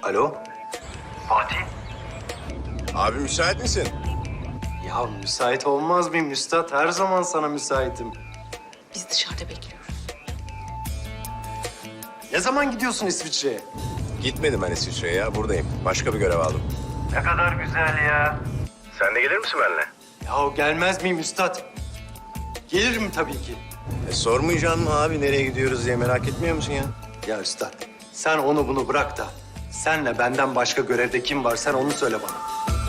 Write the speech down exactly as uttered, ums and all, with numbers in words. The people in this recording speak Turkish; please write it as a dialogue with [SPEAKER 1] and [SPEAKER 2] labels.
[SPEAKER 1] Alo?
[SPEAKER 2] Fatih?
[SPEAKER 3] Abi müsait misin?
[SPEAKER 1] Ya müsait olmaz mıyım Üstad? Her zaman sana müsaitim.
[SPEAKER 4] Biz dışarıda bekliyoruz.
[SPEAKER 1] Ne zaman gidiyorsun İsviçre'ye?
[SPEAKER 3] Gitmedim ben İsviçre'ye ya. Buradayım. Başka bir görev aldım.
[SPEAKER 2] Ne kadar güzel ya.
[SPEAKER 3] Sen de gelir misin benimle?
[SPEAKER 1] Ya gelmez miyim Üstad? Gelirim tabii ki.
[SPEAKER 3] E, sormayacağım mı abi nereye gidiyoruz diye merak etmiyor musun ya?
[SPEAKER 1] Ya Üstad, sen onu bunu bırak da senle benden başka görevde kim var sen onu söyle bana.